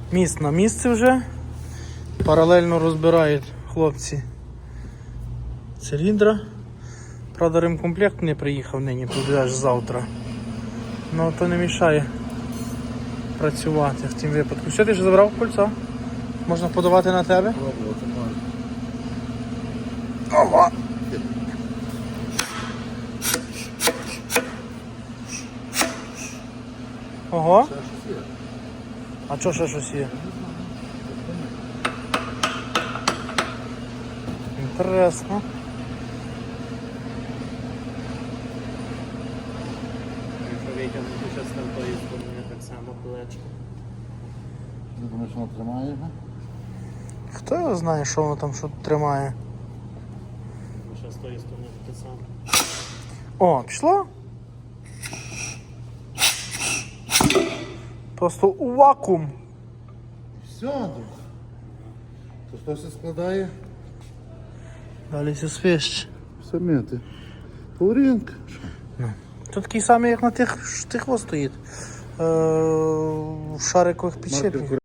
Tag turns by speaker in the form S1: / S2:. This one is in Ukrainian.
S1: Міст на місці вже. Паралельно розбирають хлопці циліндра. Правда, ремкомплект не приїхав нині, буде аж завтра. Ну то не мішає працювати в тім випадку. Все, ти ж забрав кольцо? Можна подавати на тебе? Ова! Ого? А чого ще щось є? Інтересно.
S2: Якщо витягнути щось там тої сторони, так само колечко.
S3: Ти думаєш, воно тримає його?
S1: Хто його знає, що воно там що тримає?
S2: Ще з тої сторони те саме.
S1: О, пішло? Просто у вакуум.
S3: Все, друг. То хтось це складає?
S1: Далі все свище.
S3: Самети. Паурінка.
S1: Тут такий самий, як на тих, що тих стоїть. В шарикових підшипниках.